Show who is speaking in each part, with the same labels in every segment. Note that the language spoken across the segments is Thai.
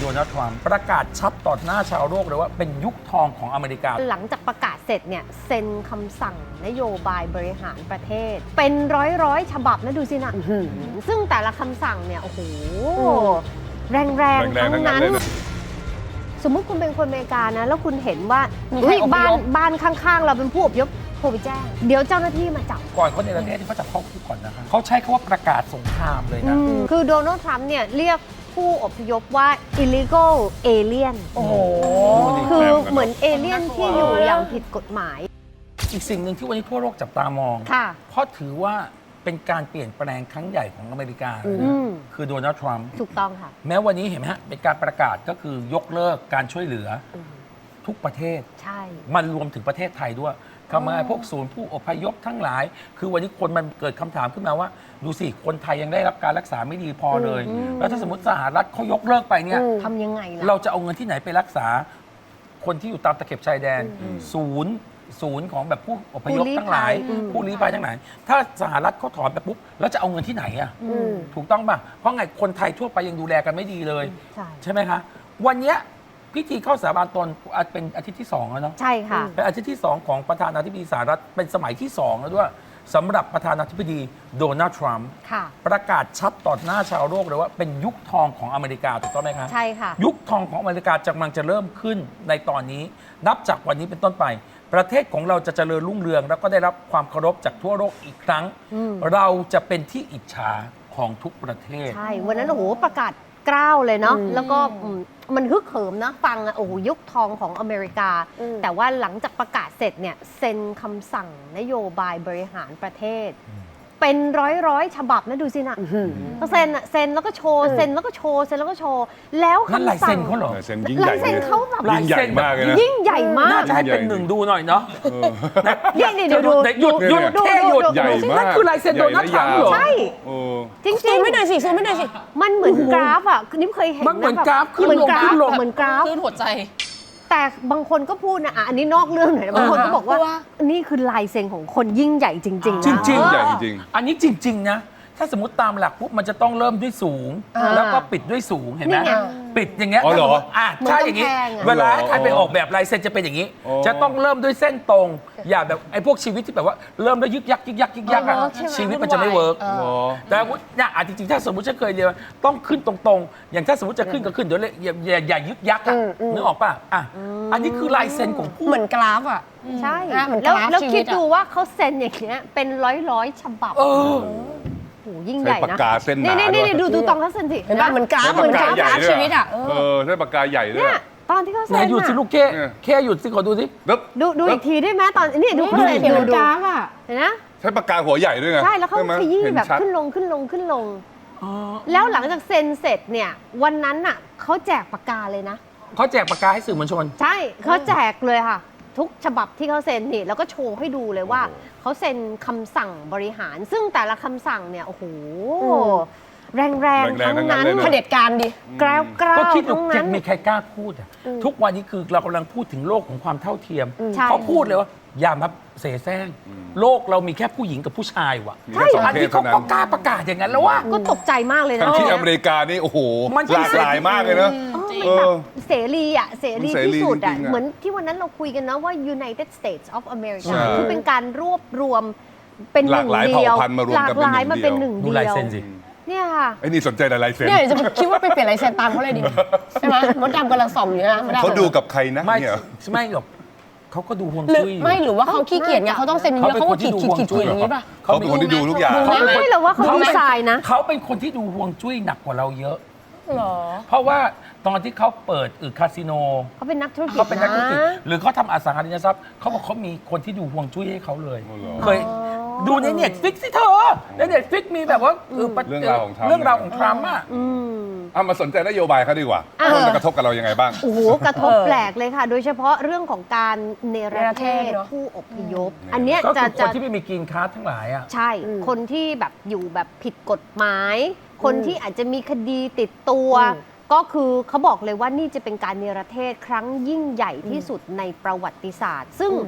Speaker 1: โดนัลด์ทรัมป์ประกาศชัดต่อหน้าชาวโลกเลยว่าเป็นยุคทองของอเมริกา
Speaker 2: หลังจากประกาศเสร็จเนี่ยเซ็นคำสั่งนโยบายบริหารประเทศ เป็นร้อยฉบับนะดูสินะซึ่งแต่ละคำสั่งเนี่ยโอ้โหแรงๆทั้งนั้นสมมุติคุณเป็นคนอเมริกานะแล้วคุณเห็นว่าบ้านข้างๆเราเป็นผู้อพยพโทรไปแจ้งเดี๋ยวเจ้าหน้าที่มาจับ
Speaker 1: ก่อนเขาในประเทศที่เขาจับเข้าคุกก่อนนะคะเขาใช้คำว่าประกาศสงครามเลยนะ
Speaker 2: คือโดนัลด์ทรัมป์เนี่ยเรียกผู้อพยพว่า illegal alien
Speaker 3: โอ้โห
Speaker 2: คือเหมือนเอเลี่ยนที่อยู่อย่างผิดกฎหมาย
Speaker 1: อีกสิ่งหนึ่งที่วันนี้ทั่วโลกจับตามองเพราะถือว่าเป็นการเปลี่ยนแปลงครั้งใหญ่ของอเมริกาเลยนะคือโดนัลด์ทรัมป์
Speaker 2: ถูกต้องค่ะ
Speaker 1: แม้วันนี้เห็นไหมฮะเป็นการประกาศก็คือยกเลิกการช่วยเหลือทุกประเทศ
Speaker 2: ใช่
Speaker 1: มันรวมถึงประเทศไทยด้วยทำไมพวกศูนย์ผู้อพยพทั้งหลายคือวันนี้คนมันเกิดคำถามขึ้นมาว่าดูสิคนไทยยังได้รับการรักษาไม่ดีพอเลยแล้วถ้าสมมติสหรัฐเขายกเลิกไปเนี่ย
Speaker 2: ทำยังไงล่ะ
Speaker 1: เราจะเอาเงินที่ไหนไปรักษาคนที่อยู่ตามตะเข็บชายแดนศูนย์ของแบบผู้อพยพทั้งหลายผู้ลี้ภัยทั้งหลายถ้าสหรัฐเขาถอนไปปุ๊บแล้วจะเอาเงินที่ไหนอ่ะถูกต้องป่ะเพราะไงคนไทยทั่วไปยังดูแลกันไม่ดีเลยใช่ไหมคะวันเนี้ยพิธีเข้าสาบานตนเป็นอาทิตย์ที่2แล้วเนาะ
Speaker 2: ใช่ค่ะ
Speaker 1: เป็นอาทิตย์ที่2ของประธานาธิบดีสหรัฐเป็นสมัยที่2แล้วด้วยสำหรับประธานาธิบดีโดนัลด์ทรัมป์ประกาศชัดต่อหน้าชาวโลกเลยว่าเป็นยุคทองของอเมริกาถูกต้องไหมคะ
Speaker 2: ใช่ค่ะ
Speaker 1: ยุคทองของอเมริกากำลังจะเริ่มขึ้นในตอนนี้นับจากวันนี้เป็นต้นไปประเทศของเราจะเจริญรุ่งเรืองแล้วก็ได้รับความเคารพจากทั่วโลกอีกครั้งเราจะเป็นที่อิจฉาของทุกประเทศ
Speaker 2: ใช่วันนั้นโอ้โหประกาศกล้าวเลยเนาะแล้วก็มันฮึกเหิมนะฟังโอ้โหยุคทองของอเมริกาแต่ว่าหลังจากประกาศเสร็จเนี่ยเซ็นคำสั่งนโยบายบริหารประเทศเป็นร้อยฉบับนะดูสินะก็เซ็นแล้วก็โชว์เซ็นแล้วก็โชว์เซ็นแล้วก็โชว์แล้ว
Speaker 1: คำสั่งลายเซ็นเขาเหรอ
Speaker 3: เซ็นยิ่งใหญ่
Speaker 2: เขาแบบ
Speaker 3: ยิ่งใหญ่มากเลยนะ
Speaker 2: ยิ่งใหญ่มาก
Speaker 1: น่าจะให้เป็นหนึ่งดูหน่อยเนาะ
Speaker 2: นี่เดี๋ยวดู
Speaker 1: หยุดแค่หยุด
Speaker 3: ใหญ่มาก
Speaker 1: นั่นคือลายเซ็นโดนัลด์ทรัมป์เหรอ
Speaker 2: ใช่จริง
Speaker 4: ซูมไม่ได้สิซูมไม่ได้สิ
Speaker 2: มันเหมือนกราฟอ่ะนี่เคยเห็น
Speaker 1: มันเหมือนกราฟขึ้นลงขึ้นลง
Speaker 2: เหมือนกราฟ
Speaker 4: ขึ้นหัวใจ
Speaker 2: แต่บางคนก็พูดนะอันนี้นอกเรื่องหน่อยนะบางคนก็บอกว่านี่คือลายเซ็นของคนยิ่งใหญ่จริงๆ
Speaker 1: จริง
Speaker 3: ใหญ่จริง
Speaker 1: อันนี้จริงๆนะถ้าสมมติตามหลักปุ๊บมันจะต้องเริ่มด้วยสูงแล้วก็ปิดด้วยสูงเห็นไหมปิดอย่างเงี้ยใช่อย่างงี้เวลาใครไปออกแบบลายเซ็นจะเป็นอย่างนี้จะต้องเริ่มด้วยเส้นตรงอย่าแบบไอ้พวกชีวิตที่แบบว่าเริ่มด้วยยึกยักชีวิตมันจะไม่เวิร์กแต่เนี่ยจริงๆถ้าสมมติฉันเคยเรียนต้องขึ้นตรงๆอย่างถ้าสมมติจะขึ้นก็ขึ้นเดี๋ยวอย่ายึกยักนึกออกป่ะอันนี้คือลายเซ็นของผู้
Speaker 4: เหมือนกราฟอ่ะ
Speaker 2: ใช่แล้วคิดดูว่าเขาเซ็นอย่างเงี้ยเป็นร้อยฉบับโอ้ยิ่งใหญ่นะ
Speaker 3: ปากกาเส้นหนา
Speaker 2: นี่ดูตองทัศนสิ
Speaker 4: เห็นป่ะเหมือนกราฟชีวิตอ่ะ
Speaker 3: ใช้ปากกาใหญ่ด้วย
Speaker 2: ตอนที่เขาเซ็น
Speaker 1: หยุดสิลูกแค่หยุดสิขอดูสิ
Speaker 2: ดูอีกทีได้ไหมตอนนี้ดูเขาเซ็นดู
Speaker 4: กราฟอ่ะ
Speaker 2: เห็นนะ
Speaker 3: ใช้ปากกาหัวใหญ่ด้วยไง
Speaker 2: ใช่แล้วเขาขยี้แบบขึ้นลงแล้วหลังจากเซ็นเสร็จเนี่ยวันนั้นน่ะเขาแจกปากกาเลยนะ
Speaker 1: เขาแจกปากกาให้สื่อมวลชน
Speaker 2: ใช่เขาแจกเลยค่ะทุกฉบับที่เขาเซ็นนี่แล้วก็โชว์ให้ดูเลยว่าเขาเซ็นคำสั่งบริหารซึ่งแต่ละคำสั่งเนี่ยโอ้โหแรงทั้งนั้น
Speaker 4: เผด็จการดิ
Speaker 2: กล้าว
Speaker 1: ก็คิดดูยังมีใครกล้าพูดทุกวันนี้คือเรากำลังพูดถึงโลกของความเท่าเทียมเขาพูดเลยว่าอย่ามาเสแสร้งโลกเรามีแค่ผู้หญิงกับผู้ชายว่ะ
Speaker 3: ใช่
Speaker 1: อันนี้เขาก็กล้าประกาศอย่างนั้นแล้วว่า
Speaker 2: ก็ตกใจมากเลยนะ
Speaker 3: ที่อเมริกานี่โอ้โหหลากหลายมากเลยนะ
Speaker 2: เสรีที่สุดเหมือนที่วันนั้นเราคุยกันนะว่า United States of America คือเป็นการรวบรวมเป็นหนึ่งเดียวหลากหลายมาเป็นหนึ่งเดียว
Speaker 1: ดูลายเซ็นสิ
Speaker 2: เนี่ยค่ะ
Speaker 3: ไอ้นี่สนใจลายเซ็น
Speaker 4: เนี่ยจะคิดว่าไปเปลี่ยนลายเซ็นตามเขาเลยดิใช่ไหมมดดำกำลังส่องอยู่นะ
Speaker 3: เขาดูกับใครนะ
Speaker 1: ไม่หรอกเขาก็ดูห่วงจุ้ย
Speaker 4: ไม่หรือว่าเขาขี้เกียจไงเขาต้องเซ็นเยอะเขาก็ขีดอย่างนี้ป่ะ
Speaker 3: เขาเป็นคนที่ดูทุกอย่าง
Speaker 2: ไม่หรอกว่าเขาดีไซน์นะ
Speaker 1: เขาเป็นคนที่ดูห่วงจุ้ยหนักกว่าเราเยอะ
Speaker 4: หรอ
Speaker 1: เพราะว่าตอนที่เขาเปิดคาสิโน
Speaker 2: เขาเป็นนักธุรกิจ
Speaker 1: หรือเขาทำอสังหาริมทรัพย์เขาบอกเขามีคนที่ดูห่วงจุ้ยให้เขาเลยเคยดูในเน็ตฟิกสิเธอในเน็ตฟิกมีแบบว่า
Speaker 3: เรื่องราวของ
Speaker 1: ทรัมป์
Speaker 3: มาสนใจนโยบายเขาดีกว่ามันจะกระทบกับเรายังไงบ้าง
Speaker 2: โอ้โหกระทบแปลกเลยค่ะโดยเฉพาะเรื่องของการเนรเทศผู้อพยพอันเนี้ย
Speaker 1: จะคนที่ไม่มีกินค้าทั้งหลายอ่ะ
Speaker 2: ใช่คนที่แบบอยู่แบบผิดกฎหมายคนที่อาจจะมีคดีติดตัวก็คือเขาบอกเลยว่านี่จะเป็นการเนรเทศครั้งยิ่งใหญ่ที่สุดในประวัติศาสตร์ซึ่ง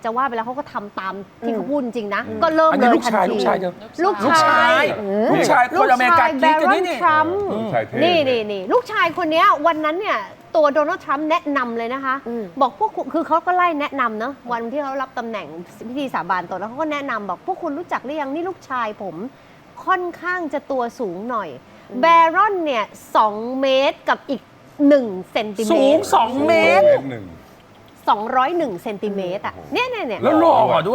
Speaker 2: จะว่าไปแล้วเขาก็ทำตามที่เขาพูดจริงๆนะ ก็เริ่ม
Speaker 1: อัน
Speaker 2: เล
Speaker 1: นี้
Speaker 2: ย
Speaker 1: ลูก
Speaker 2: ทัน
Speaker 1: ชาย
Speaker 2: ที
Speaker 1: ลูกชายเธอ
Speaker 2: ลูกชาย
Speaker 1: ลูกชายคนอเมริกา
Speaker 2: แบ
Speaker 1: กิ๊กกัน
Speaker 2: รอ
Speaker 1: นี่
Speaker 2: น
Speaker 1: นี่
Speaker 2: ทรัมป์
Speaker 3: ชายเท่
Speaker 2: นี่ลูกชายคนเนี้ยวันนั้นเนี่ยตัวโดนัลด์ทรัมป์แนะนำเลยนะคะ บอกพวกคุณคือเขาก็ไล่แนะนำเนาะวันที่เขารับตำแหน่งพิธีสาบานตนแล้วเขาก็แนะนำบอกพวกคุณรู้จักหรือยังนี่ลูกชายผมค่อนข้างจะตัวสูงหน่อยแบรอนเนี่ย2 เมตรกับอีก1 เซนติเม
Speaker 1: สูง
Speaker 2: ตร
Speaker 1: 2 เมตร
Speaker 3: หนึ่ง
Speaker 2: 201 เซนติเมตรอ่ะเนี่ย
Speaker 1: แล้วหล่อด้วย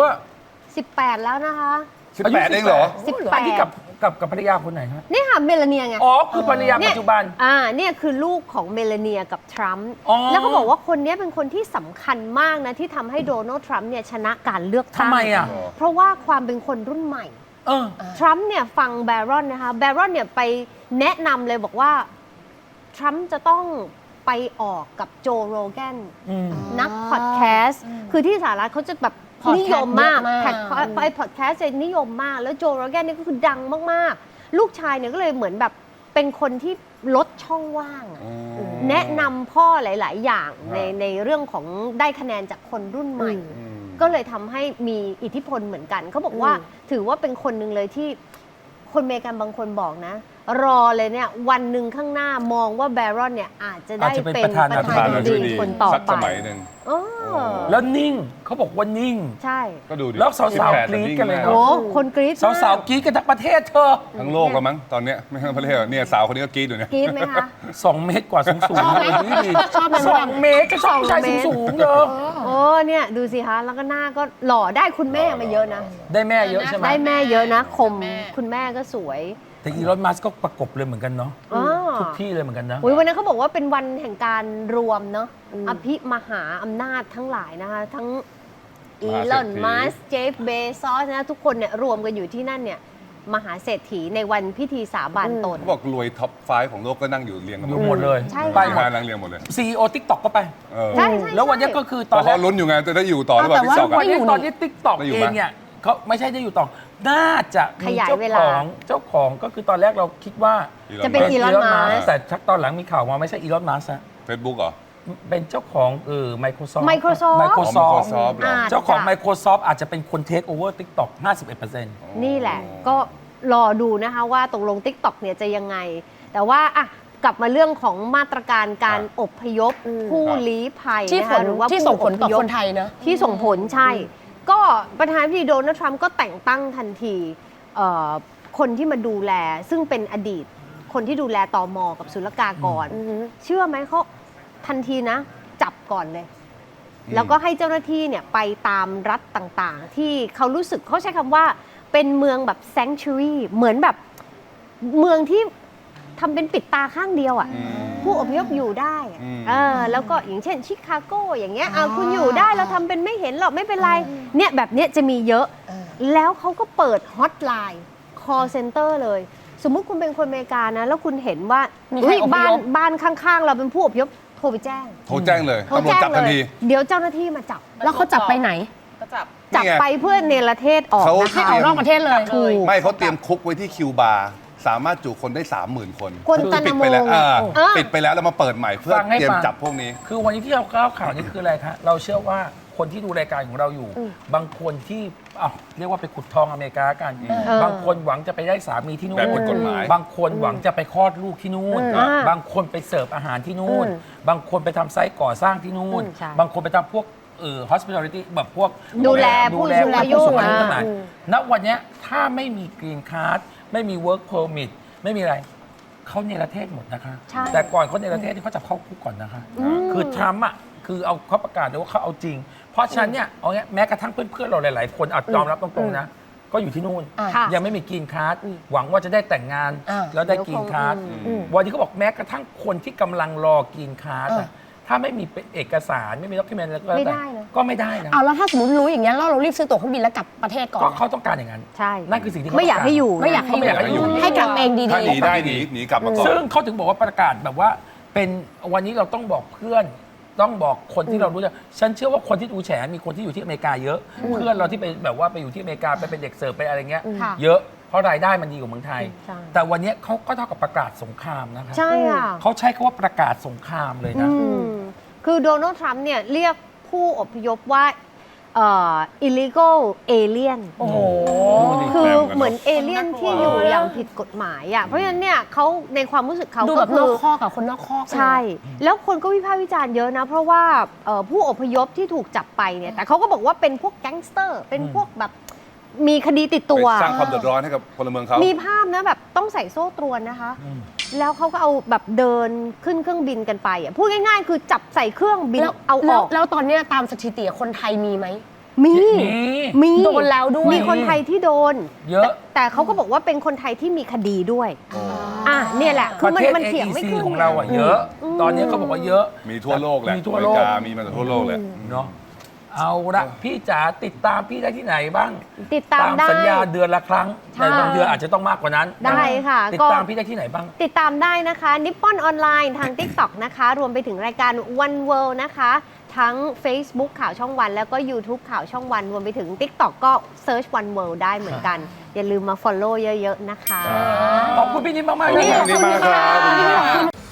Speaker 2: 18 แล้วนะคะ
Speaker 3: 18เองเหรอ
Speaker 1: อันนี้กับภรรยาคนไหนฮะ
Speaker 2: นี่ค่ะเมลาเนียไง
Speaker 1: อ๋อคือภรรยาปัจจุบัน
Speaker 2: เนี่ยคือลูกของเมลาเนียกับทรัมป์
Speaker 1: อ๋อ
Speaker 2: แล้วก็บอกว่าคนนี้เป็นคนที่สำคัญมากนะที่ทำให้โดนัลด์ทรัมป์เนี่ยชนะการเลือกตั้ง
Speaker 1: ทำไมอ่ะ
Speaker 2: เพราะว่าความเป็นคนรุ่นใหม่ ทรัมป์เนี่ยฟังแบรอนนะคะแบรอนเนี่ยไปแนะนำเลยบอกว่าทรัมป์จะต้องไปออกกับโจโรแกนนักพอดแคสต์คือที่สหรัฐเขาจะแบบนิยมมากไปพอดแคสต์จะนิยมมากแล้วโจโรแกนนี่ก็คือดังมากๆลูกชายเนี่ยก็เลยเหมือนแบบเป็นคนที่ลดช่องว่างอะแนะนำพ่อหลาย ๆ อย่างในเรื่องของได้คะแนนจากคนรุ่นใหม่ ก็เลยทำให้มีอิทธิพลเหมือนกันเขาบอกว่าถือว่าเป็นคนหนึ่งเลยที่คนอเมริกันบางคนบอกนะ รอเลยเนี่ยวันหนึ่งข้างหน้ามองว่าแบรอนเนี่ยอาจจะได้เป็นประธานาธิบดีคนต่อ
Speaker 3: สัก
Speaker 2: ไป
Speaker 3: สมัยหนึ่ง
Speaker 1: แล้วนิ่งเขาบอกว่านิ่ง
Speaker 2: ใช่
Speaker 3: ก็ดูดิ
Speaker 1: แล้วสาวๆกรี๊ดกันเลยเน
Speaker 2: โอ้
Speaker 1: อะ
Speaker 2: คนกรี๊ดมก
Speaker 1: สาวๆกรี๊ดกันทั้งประเทศเธอ
Speaker 3: ทั้งโลกแล้วมั้งตอนเนี้ยไม่ทั้งประเทศเนี่ยสาวคนนี้ก็กรี๊ดอยู่เนี่ย
Speaker 2: กรี๊ดไหมคะ
Speaker 1: 2 เมตรกว่าสูงๆ
Speaker 4: ชอบไหม
Speaker 1: ดี
Speaker 4: ชอบไหม
Speaker 1: 2 เมตรก็ชอบผู้ชายสูงๆเนอะ
Speaker 2: โอ้เนี่ยดูสิคะแล้วก็หน้าก็หล่อได้คุณแม่มาเยอะนะ
Speaker 1: ได้แม่เยอะใช่ไหม
Speaker 2: ได้แม่เยอะนะคมคุณแม่ก็สวย
Speaker 1: แต่อีลอนมัสก์ก็ประกบเลยเหมือนกันเนาะ
Speaker 2: อ๋อ
Speaker 1: ทุกที่เลยเหมือนกันนะ
Speaker 2: อุ๊ยวันนั้นเขาบอกว่าเป็นวันแห่งการรวมเนาะอภิมหาอำนาจทั้งหลายนะคะทั้งอีลอนมัสก์เจฟเบซอสนะทุกคนเนี่ยรวมกันอยู่ที่นั่นเนี่ยมหาเศรษฐีในวันพิธีสาบานตน
Speaker 3: เขาบอกรวยท็อปไฟของโลกก็นั่งอยู่เรียงกัน
Speaker 1: อยู่หมดเลย
Speaker 2: ใช่
Speaker 1: ไป
Speaker 3: ไป
Speaker 1: หม
Speaker 3: มา
Speaker 1: ด
Speaker 3: นั่งเรียงหมดเลย
Speaker 1: CEO TikTok ก็ไป
Speaker 2: ใช่
Speaker 1: แล้ววันนี้ก็คือ
Speaker 3: ต
Speaker 1: ต
Speaker 3: อ
Speaker 1: อน นแร
Speaker 3: เขา
Speaker 1: ก
Speaker 3: ลุ้นอยู่ไงจะได้อยู่ต่อหรือเปล่า
Speaker 4: แต่
Speaker 3: ที่
Speaker 4: ว่า
Speaker 3: สอง
Speaker 1: วันนี้ตอนนี้ TikTok
Speaker 3: ได้อยู่
Speaker 1: เอ
Speaker 3: ไหม
Speaker 1: งเนี่ยเขาไม่ใช่ได้อยู่ต่อ น่าจะมี
Speaker 2: ขยาย
Speaker 1: เจ้า
Speaker 2: เว
Speaker 1: ข
Speaker 2: ลา
Speaker 1: องเจ้าของก็คือตอนแรกเราคิดว่า
Speaker 2: จะเป็น Elon Musk
Speaker 1: แต่ชักตอนหลังมีข่าวมาไม่ใช่อีลอนมัสก์
Speaker 3: เฟซบุ๊กเหรอ
Speaker 1: เป็นเจ้าของMicrosoft
Speaker 2: Microsoft
Speaker 3: Microsoft เหรอ
Speaker 1: เจ้าของ
Speaker 2: จ้ะ
Speaker 1: Microsoft อาจจะเป็นคนเทคโอเวอร์ TikTok 51%
Speaker 2: นี่แหละก็รอดูนะคะว่าตกลง TikTok เนี่ยจะยังไง แต่ว่าอ่ะกลับมาเรื่องของมาตรการการอพยพผู้ลี้ภัย
Speaker 4: ที่
Speaker 2: นะคะหรือว่า
Speaker 4: ที่
Speaker 2: ผู้
Speaker 4: ส่งผลต่อ
Speaker 2: พยพ
Speaker 4: คนไทยเนอะ
Speaker 2: ที่ส่งผลใช่ ก็ประธานาธิบดีโดนัลด์ทรัมป์ก็แต่งตั้งทันทีคนที่มาดูแลซึ่งเป็นอดีต คนที่ดูแลตมกับศุลกากร เชื่อไหมเขาทันทีนะ จับก่อนเลย แล้วก็ให้เจ้าหน้าที่เนี่ยไปตามรัฐต่างๆ ที่เขารู้สึกเขาใช้คำว่าเป็นเมืองแบบ sanctuary เหมือนแบบเมืองที่ทำเป็นปิดตาข้างเดียวอ่ะ ผู้อพยพอยู่ได้อะแล้วก็อย่างเช่นชิคาโกอย่างเงี้ยคุณอยู่ได้เราทำเป็นไม่เห็นหรอกไม่เป็นไรเนี่ยแบบเนี้ยจะมีเยอะ แล้วเขาก็เปิดฮอตไลน์ call center เลย สมมุติคุณเป็นคนอเมริกานะ แล้วคุณเห็นว่า
Speaker 4: มีใครอพยพ
Speaker 2: บ้านข้างๆ เราเป็นผู้อพยพโทรไปแจ้ง
Speaker 3: โทรแจ้งเลย
Speaker 2: โทร
Speaker 3: ตำรวจ
Speaker 2: แจ้ง
Speaker 3: จับ
Speaker 2: เล
Speaker 3: ทัน
Speaker 2: ย
Speaker 3: ที
Speaker 2: เดี๋ยวเจ้าหน้าที่มาจับ
Speaker 4: แล้วเขาจับไปไหน
Speaker 2: จับไปเพื่อเนรเทศออก
Speaker 3: เขา
Speaker 2: นะ
Speaker 4: ให้
Speaker 2: คะ
Speaker 4: ออกนอกประเทศเลย
Speaker 2: ถูก
Speaker 3: ไม่เขาเตรียมคุกไว้ที่คิวบาร์สามารถจุคนได้ 30,000 คน
Speaker 2: กวนตา
Speaker 3: ปิ
Speaker 2: นา
Speaker 3: ด
Speaker 2: โม
Speaker 3: ไปแล้ว
Speaker 2: เออ
Speaker 3: ปิดไปแล้วแล้วมาเปิดใหม่เพื่อ
Speaker 1: ฟังให้
Speaker 3: เตรียม
Speaker 1: ฟัง
Speaker 3: จับพวกนี้
Speaker 1: คือวันนี้ที่เราเล่าข่าวนี้คืออะไรคะเราเชื่อว่าคนที่ดูรายการของเราอยู่ บางคนที่เรียกว่าไปขุดทองอเมริกากัน บางคนหวังจะไปได้สามีที่นู่น
Speaker 3: แบบผิดกฎหมาย
Speaker 1: บางคนหวังจะไปคลอดลูกที่นู่น บางคนไปเสิร์ฟอาหารที่นู่น บางคนไปทำไซต์ก่อสร้างที่นู่น
Speaker 2: ใช่
Speaker 1: บางคนไปทำพวกhospitality แบบพวก
Speaker 2: ดูแลผู้สูงอายุ
Speaker 1: ผู้สูงอายุทั้งหลายณวันเนี้ยถ้าไม่มีกรีนคาร์ดไม่มี work permit ไม่มีอะไรเขาเนรเทศหมดนะคะ
Speaker 2: ใช่
Speaker 1: แต่ก่อนเขาเนรเทศที่เขาจะเข้าคุกก่อนนะคะ คือทรัมป์อ่ะคือเอาเขาประกาศเลยว่าเขาเอาจริง เพราะฉะนั้นเนี่ยเอาเงี้ยแม้กระทั่งเพื่อนๆเราหลายๆคนยอมรับตรงๆนะ ก็อยู่ที่นู่น
Speaker 2: ค่ะ
Speaker 1: ยังไม่มีกรีนคาร์ดหวังว่าจะได้แต่งงาน แล้วได้กรีนคาร์ดวันนี้เขาบอกแม้กระทั่งคนที่กำลังรอกรีนคาร์ดอะถ้าไม่มีเอกสารไม่มีด็อกิเมนต์อะไรก็แล้ว
Speaker 2: ไม่
Speaker 1: แต่
Speaker 2: ได้นะ
Speaker 1: ก็ไม่ได้นะ
Speaker 4: เอาแล้วถ้าสมมติรู้อย่างเงี้ยแล้วเรารีบซื้อตั๋วเครื่องบินแล้วกลับประเทศก่อน
Speaker 1: ก็เขาต้องการอย่างนั้น
Speaker 2: ใช่
Speaker 1: นั่นคือสิ่งที่เข
Speaker 2: ไม่อยากให้อยู่
Speaker 4: ไม่อยากให้
Speaker 1: ไม่อยากให้อยู่
Speaker 4: ให้กลับเองดี
Speaker 3: ถ้าหนีได้หนีกลับมาก่อน
Speaker 1: ซึ่งเขาถึงบอกว่าประกาศแบบว่าเป็นวันนี้เราต้องบอกเพื่อน ต้องบอกคนที่เรารู้จักฉันเชื่อว่าคนที่ดูแฉมีคนที่อยู่ที่อเมริกาเยอะ เพื่อนเราที่ไปแบบว่าไปอยู่ที่อเมริกาไปเป็นเด็กเสิร์ฟไปอะไรเงี้ย
Speaker 2: ค่ะ
Speaker 1: เยอะเพราะรายได้มันดีกว่าเมืองไทย
Speaker 2: ใช่
Speaker 1: แต่วันนี้เขาก็เท่ากับประกาศสงครามนะคะ
Speaker 2: ใช่ค่ะ
Speaker 1: เขาใช้คำว่าประกาศสงครามเลยนะ
Speaker 2: คือโดนัลด์ทรัมป์เนี่ยเรียกผู้อพยพว่า illegal alien
Speaker 4: โอ้โห
Speaker 2: คือเหมือนเอเลี่ยนที่อยู่อย่างผิดกฎหมายอ่ะเพราะฉะนั้นเนี่ยเขาในความรู้สึกเขา
Speaker 4: ดู
Speaker 2: ก็
Speaker 4: แบบน
Speaker 2: คือ
Speaker 4: อกข้อกับคนนอกข้อ
Speaker 2: ใช่ แล้วคนก็วิพากษ์วิจารณ์เยอะนะ เพราะว่าผู้อพยพที่ถูกจับไปเนี่ยแต่เขาก็บอกว่าเป็นพวกแก๊งสเตอร์ เป็นพวกแบบมีคดีติดตัว
Speaker 3: ไปสร้างความเดือดร้อนให้กับพลเมืองเขา
Speaker 2: มีภาพนะแบบต้องใส่โซ่ตรวนนะคะ แล้วเขาก็เอาแบบเดินขึ้นเครื่องบินกันไปอ่ะพูดง่ายๆ คือจับใส่เครื่องบิน
Speaker 4: แล้ว
Speaker 2: เอาออก
Speaker 4: แล้วตอนเนี้ยตามสถิติคนไทยมีไหม
Speaker 2: มี มี
Speaker 4: โดนแล้วด้วย
Speaker 2: มีคนไทยที่โดน
Speaker 1: เยอะ
Speaker 2: แต่เขาก็บอกว่าเป็นคนไทยที่มีคดีด้วยเนี่ยแหละคือ
Speaker 1: ประเทศ
Speaker 2: มันเถียงไม่
Speaker 1: AEC
Speaker 2: ขึ้น
Speaker 1: ของเราอ่ะเยอะ ตอนนี้เขาบอกว่าเยอะ
Speaker 3: มีทั่วโลกแหละ
Speaker 1: มีทั่วโลก
Speaker 3: อเมริกามีมาจากทั่วโลกแหละ
Speaker 1: เนาะเอาละพี่จ๋าติดตามพี่ได้ที่ไหนบ้าง
Speaker 2: ติดตามได้
Speaker 1: สัญญาเดือนละครั้ง
Speaker 2: ใช่
Speaker 1: แต่บางเดือนอาจจะต้องมากกว่านั้น
Speaker 2: ได้ค่ะ
Speaker 1: ติด
Speaker 2: ก็
Speaker 1: ตามพี่ได้ที่ไหนบ้าง
Speaker 2: ติดตามได้นะคะนิปปอนออนไลน์ทาง TikTok นะคะ รวมไปถึงรายการ One World นะคะ ทั้ง Facebook ข่าวช่องวัน แล้วก็ YouTube ข่าวช่องวัน รวมไปถึง TikTok ก็ Search One World ได้เหมือนกัน อย่าลืมมา Follow เยอะๆนะคะ
Speaker 1: ขอบคุณพี่นิดมากๆ
Speaker 3: ขอบคุณ
Speaker 1: เลย
Speaker 3: มากครับ